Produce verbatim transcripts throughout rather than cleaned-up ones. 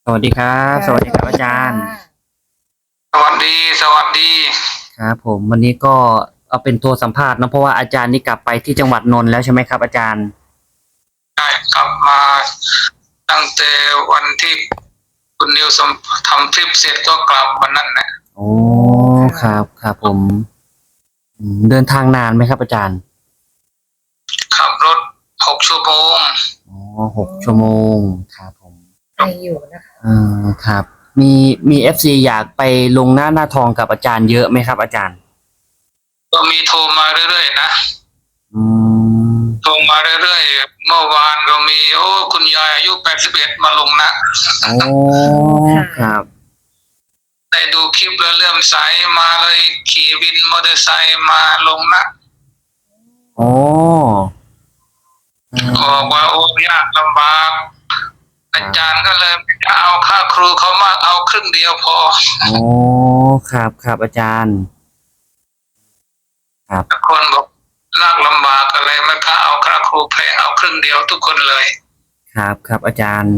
สวัสดีครับสค่ะวัสดีครับสวัสดีค่อาจารย์ะสวัสดีสวัสดีครับผมวันนี้ก็เอาเป็นตัวสัมภาษณ์เนอะเพราะว่าอาจารย์นี่กลับไปที่จังหวัดนนท์แล้วใช่ไหมครับอาจารย์ได้กลับมาตั้งแต่วันที่คุณนิวสมทำทริปเสร็จก็กลับวันนั้นแหละโอ้คค่ะรับครับผมอืมเดินทางนานไหมครับอาจารย์ขับรถหกชั่วโมงอ๋อหกชั่วโมงครับผมไออยู่นะคะอ่าครับมีมีเอฟซีอยากไปลงหน้าหน้าทองกับอาจารย์เยอะไหมครับอาจารย์ก็มีโทรมาเรื่อยๆนะอืมโทรมาเรื่อยๆเมื่อวานก็มีโอ้คุณยายอายุแปดสิบเอ็ดมาลงนะโอ้ครับได้ดูคลิปแล้วเลื่อมใสมาเลยขี่วินมอเตอร์ไซค์มาลงนะโอ้อืบอกว่ามโอ้ยากลำบากอาครับจารย์ก็เลยไม่เอาค่าครูเขามากเอาครึ่งเดียวพอโอ้ครับครับอาจารย์ครับคนบอกลากลำบากอะไรไม่ค่าเอาค่าครูแพงเอาครึ่งเดียวทุกคนเลยครับครับอาจารย์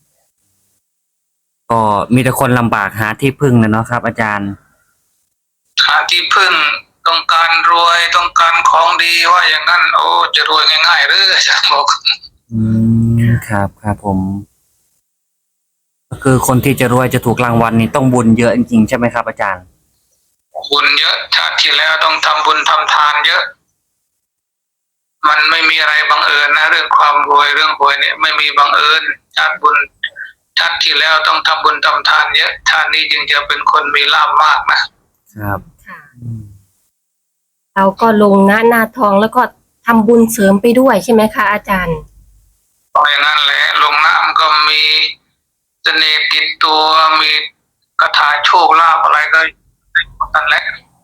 ก็มีแต่คนลำบากหาที่พึ่งนะเนาะครับอาจารย์หาที่พึ่งต้องการรวยต้องการของดีว่าอย่างนั้นโอ้จะรวยง่ายๆหรืออาจารย์บอกอืมครับครับผมก็คือคนที่จะรวยจะถูกรางวัลนี่ต้องบุญเยอะจริงๆใช่ไหมครับอาจารย์บุญเยอะชาติที่แล้วต้องทำบุญทำทานเยอะมันไม่มีอะไรบังเอิญนะเรื่องความรวยเรื่องหวยเนี่ยไม่มีบังเอิญชาติบุญชาติที่แล้วต้องทำบุญทำทานเยอะชาตินี้จึงจะเป็นคนมีลาภมากครับค่ะอืมเราก็ลงหน้าหน้าทองแล้วก็ทำบุญเสริมไปด้วยใช่ไหมคะอาจารย์เพราะอย่างนั้นแหละลงน้ำก็มีเสน่ห์ติดตัวมีคาถาโชคลาภอะไรก็นั่นแหละ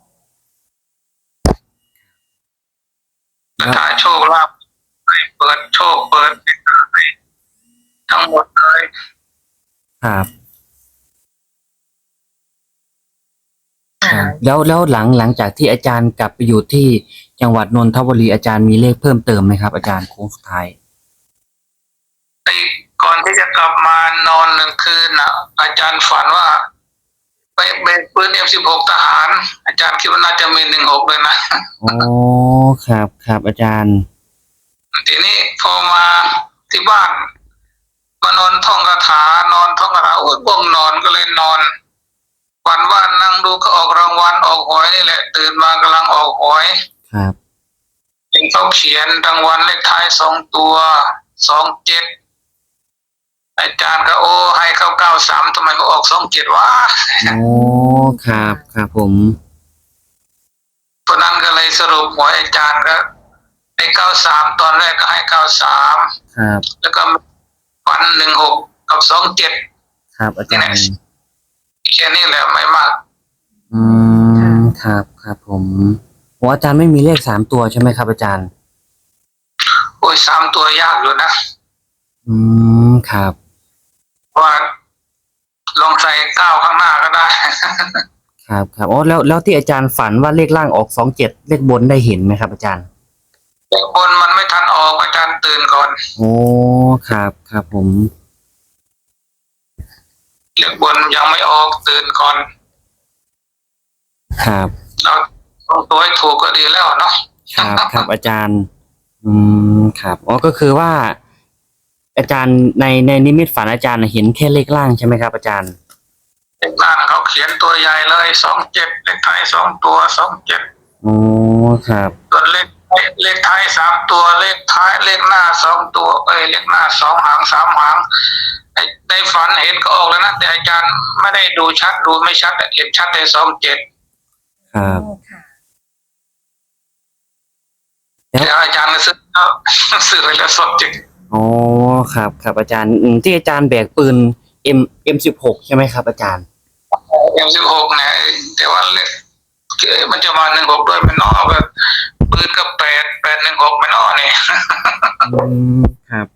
คาแล้วถาโชคลาภให้เปิดโชคเปิดทั้งหมดเลยครับคค่ะรับแล้วแล้วหลังหลังจากที่อาจารย์กลับไปอยู่ที่จังหวัดนนทบุรีอาจารย์มีเลขเพิ่มเติมไหมครับอาจารย์โค้งสุดท้ายไอ้ก่อนที่จะกลับมานอนหนึ่งคืนน่ะอาจารย์ฝันว่าไปเบกปืนเอ็มสิบหกทหารอาจารย์คิดว่าน่าจะมีหนึ่งหกเลยนะโอ้ครับครับอาจารย์ทีนี้พอมาที่บ้านมานอนท่องคาถานอนท่องคาถาโอ้ยง่วงนอนก็เลยนอนฝันว่านั่งดูก็ออกรางวัลออกหวยนี่แหละตื่นมากำลังออกหวยครับเห็นเขาเขียนรางวัลเลขท้ายสองตัวสองเจ็ดอาจารย์ก็โอ้ให้เข้าเก้าสามทำไมเขาออกสองเจ็ดวะโอ้ครับครับผมเพราะนั้นก็เลยสรุปหวยอาจารย์ก็ให้เก้าสามตอนแรกก็ให้เก้าสามครับแล้วก็ฝันหนึ่งหกกับสองเจ็ดครับอาจารย์แค่นี้แหละไม่มากอืมครับครับผมโอ้อาจารย์ไม่มีเลขสามตัวใช่ไหมครับอาจารย์โอ้ยสามตัวยากอยู่นะอืมครับว่าลองใส่เก้าข้างหน้าก็ได้ครับครับอ๋อแล้วแล้วที่อาจารย์ฝันว่าเลขล่างออกสองเจ็ดเลขบนได้เห็นไหมครับอาจารย์แต่คนมันไม่ทันออกอาจารย์ตื่นก่อนโอ้ครับครับผมเรียกบนยังไม่ออกตื่นก่อนครับเราต้องตัวให้ถูกก็ดีแล้วเนาะครับครับอาจารย์อืมครับอ๋อก็คือว่าอาจารย์ในในนิมิตฝันอาจารย์เห็นแค่เลขล่างใช่ไหมครับอาจารย์เลขล่างเขาเขียนตัวใหญ่เลยสองเจ็ดเลขท้ายสองตัวสองเจ็ดโอ้ครับส่วนเลขเลขท้ายสามตัวเลขท้ายเลขหน้าสองตัวเอ้ยเลขหน้าสองหางสามหางไอ้ในฝันเห็นก็ออกแล้วนะแต่อาจารย์ไม่ได้ดูชัดดูไม่ชัดเห็นชัดแต่สองเจ็ดครับค่ะแล้วอาจารย์ก็ซื้อแล้วซื้อไปแล้วสองเจ็ดอ๋อครับครับอาจารย์อืมที่อาจารย์แบกปืน M เอ็มสิบหกใช่ไหมครับอาจารย์เอ็มสิบหกเนี่ยแต่ว่าเลขมันจะมาหนึ่งหกด้วยมันนอกแบบปืนก็แปดแปดหนึ่งหกไม่นอกเนี่ยอืมครับ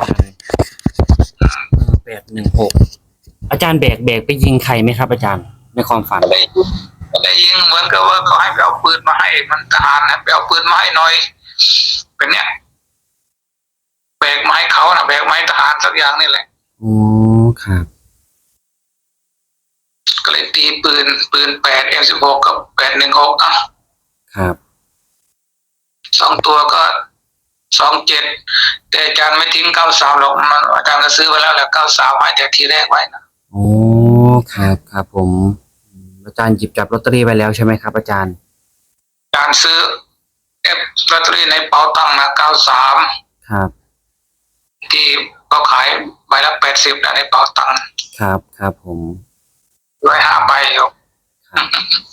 แปดหนึ่งหกอาจารย์แบกแบกไปยิงใครไหมครับอาจารย์ในความฝันได้ยิงได้ยิงเหมือนกับว่าเขาให้ไปเอาปืนมาให้มันทหารนะไปเอาปืนมาให้หน่อยเป็นเนี้ยแบกไม้เขานะแบกไม้ทหารสักอย่างนี่แหละอ๋อครับตีปืนปืนแปดเอ็มสิบหกกับแปดหนึ่งหกอ่ะครับสองตัวก็สองเจ็ดแต่อาจารย์ไม่ทิ้งเก้าสามหรอกมันอาจารย์ก็ซื้อไว้แล้วแหละเก้าสามให้แต่ทีแรกไว้นะโอ้ครับครับผมอืมอาจารย์หยิบจับลอตเตอรี่ไปแล้วใช่ไหมครับอาจารย์อาจารย์ซื้อเอฟลอตเตอรี่ในเป๋าตังค์นะเก้าสามครับที่เขาขายใบละแปดสิบนะในเป๋าตังค์ครับครับผมร้อยห้าใบอยู่ครับ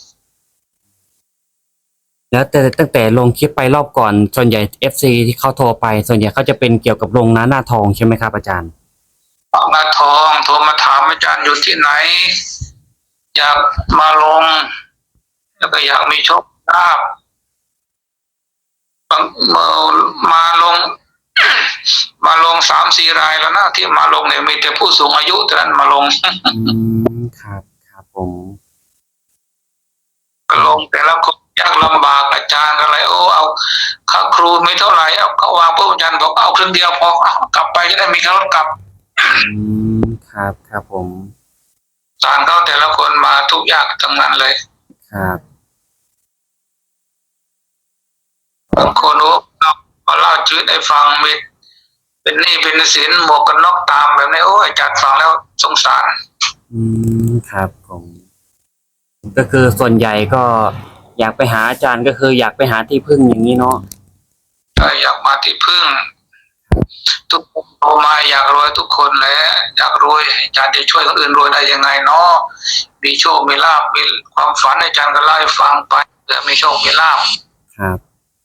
แล้วแต่ตั้งแต่ลงคลิปไปรอบก่อนส่วนใหญ่ เอฟ ซี ที่เขาโทรไปส่วนใหญ่เขาจะเป็นเกี่ยวกับโรงน้าหน้าทองใช่ไหมครับอาจารย์ออกมาทองโทรมาถามอาจารย์อยู่ที่ไหน อยากมาลง แล้วก็อยากมีโชคลาภบางมามาลง มาลงสามสี่รายแล้วนะที่มาลงเนี่ยมีแต่ผู้สูงอายุเท่านั้นมาลงอืมครับครับผมก็ลงแต่ละคนยากลำบากอาจารย์อะไรโอ้เอาค่าครูไม่เท่าไหร่เอาเขาวางปุ๊บอาจารย์บอกเอาครึ่งเดียวพอเอากลับไปจะได้มีค่ารถกลับอืมครับครับผมสารเขาแต่ละคนมาทุกอย่างทั้งนั้นเลยครับบางคนโอ้เราเล่าชีวิตให้ฟังมีเป็นหนี้เป็นสินหมวกกันน็อกตามแบบนี้โอ้อาจารย์ฟังแล้วสงสารอืมครับผมก็คือส่วนใหญ่ก็อยากไปหาอาจารย์ก็คืออยากไปหาที่พึ่งอย่างนี้เนาะถ้าอยากมาที่พึ่ง ทุกคนโตมาอยากรวยทุกคนแหละอยากรวยอาจารย์จะช่วยคนอื่นรวยได้ยังไงเนาะมีโชคมีลาภมีความฝันอาจารย์ก็เล่าให้ฟังไปเพื่อมีโชคมีลาภครับ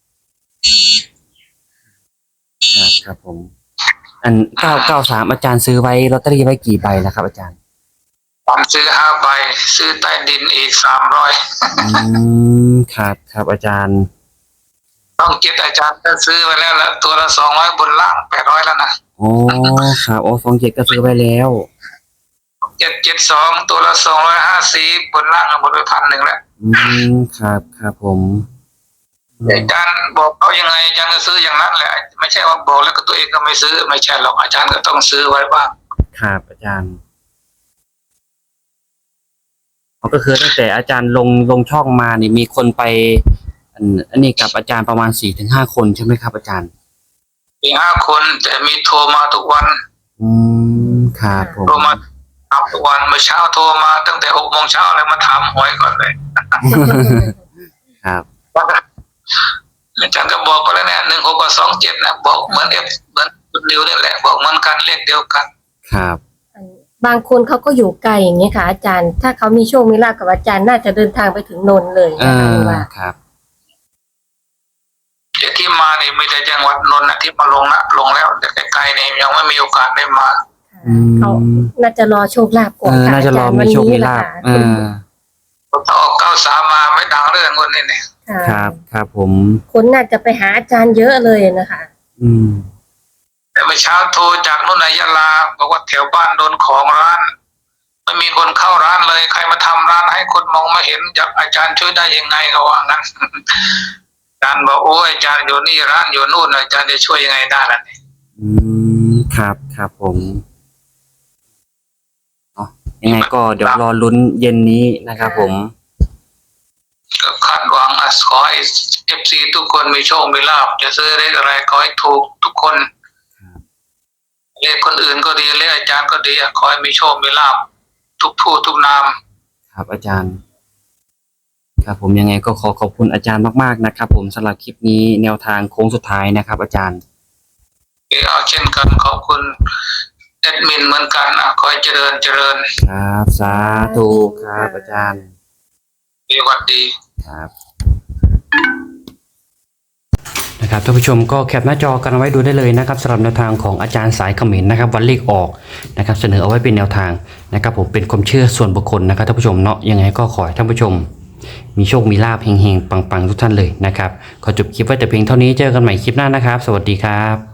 ครับครับผม อันเก้าเก้าสามอาจารย์ซื้อไว้ลอตเตอรี่ไว้กี่ใบแล้วครับอาจารย์ผมซื้อห้าใบซื้อใต้ดินอีกสามร้อยอืมครับครับอาจารย์ต้องคิดอาจารย์ก็ซื้อไว้แล้วละตัวละสองร้อยบนล่างแปดร้อยแล้วนะโอ้ครับโอ้สองเจ็ดก็ซื้อไว้แล้วเจ็ดเจ็ดสองตัวละสองร้อยห้าสิบบนล่างหมดไปพันหนึ่งแล้วอืมครับครับผมอืมอาจารย์บอกเขายังไงอาจารย์ก็ซื้ออย่างนั้นแหละไม่ใช่ว่าบอกแล้วก็ตัวเองก็ไม่ซื้อไม่ใช่หรอกอาจารย์ก็ต้องซื้อไว้บ้างครับอาจารย์อ๋อก็คือตั้งแต่อาจารย์ลงลงช่องมานี่มีคนไป อันอันนี้กับอาจารย์ประมาณสี่ถึงห้าคนใช่ไหมครับอาจารย์มีห้าคนแต่มีโทรมาทุกวันอืมครับผมโทรมาถามทุกวันเมื่อเช้าโทรมาตั้งแต่หกโมงเช้าเลยมาถามหวยก่อนเลยครับอาจารย์ก็บอกไปแล้วเนี่ยหนึ่งหกกับสองเจ็ดนะบอกเหมือนเอฟเหมือนคุณนิวนี่แหละบอกเหมือนกันเลขเดียวกันครับบางคนเขาก็อยู่ไกลอย่างเงี้ยค่ะ อาจารย์ ถ้าเขามีโชคมีลาภกับอาจารย์น่าจะเดินทางไปถึงนนท์เลยเอนะคะอว่าครับเดี๋ยวที่มาเนี่ยมีแต่จังหวัดนนท์นะที่มาลงนะลงแล้วแต่ไกลๆเนี่ยยังไม่มีโอกาสได้มาอืมเขาน่าจะรอโชคลาภก่อเอน อค่น่าจะรอจย์มีโชคมีลาภวันเอนี้อถ้าออกเก้าสามมาไม่ดังเรื่องคนนี้เนี่ยค่ะครับครับผมคนน่าจะไปหาอาจารย์เยอะเลยนะคะอืมแต่เมื่อเช้าโทรจากนู่นนายลาบอกว่าแถวบ้านโดนของร้านไม่มีคนเข้าร้านเลยใครมาทำร้านให้คนมองไม่เห็นอยากอาจารย์ช่วยได้ยังไงเขาว่างั้น อาจารย์บอกโอ้ยอาจารย์อยู่นี่ร้านอยู่นู่นอาจารย์จะช่วยยังไงได้ล่ะเนี่ยอืมครับครับผมอ๋อยังไงก็เดี๋ยวรอลุ้นเย็นนี้นะครับผมก็คาดหวังอ่ะขอให้เอฟซีทุกคนมีโชคมีลาภจะซื้อเลขอะไรขอให้ถูกทุกคนครับเลขคนอื่นก็ดีเลขอาจารย์ก็ดีอ่ะขอให้มีโชคมีลาภทุกผู้ทุกนามครับอาจารย์ ครับผมยังไงก็ขอขอบคุณอาจารย์มากๆนะครับ ผมสำหรับคลิปนี้แนวทางโค้งสุดท้ายนะครับ อาจารย์เอาเช่นกันขอบคุณแอดมินเหมือนกันอ่ะขอให้เจริญเจริญครับสาธุครับอาจารย์สวัสดีครับนะครับท่านผู้ชมก็แคปหน้าจอกันเอาไว้ดูได้เลยนะครับสำหรับแนวทางของอาจารย์สายเขมรนะครับวันเลขออกนะครับเสนอเอาไว้เป็นแนวทางนะครับผมเป็นความเชื่อส่วนบุคคลนะครับท่านผู้ชมเนาะยังไงก็ขอให้ท่านผู้ชมมีโชคมีลาภเฮงๆปังๆทุกท่านเลยนะครับขอจบคลิปไว้แต่เพียงเท่านี้เจอกันใหม่คลิปหน้านะครับสวัสดีครับ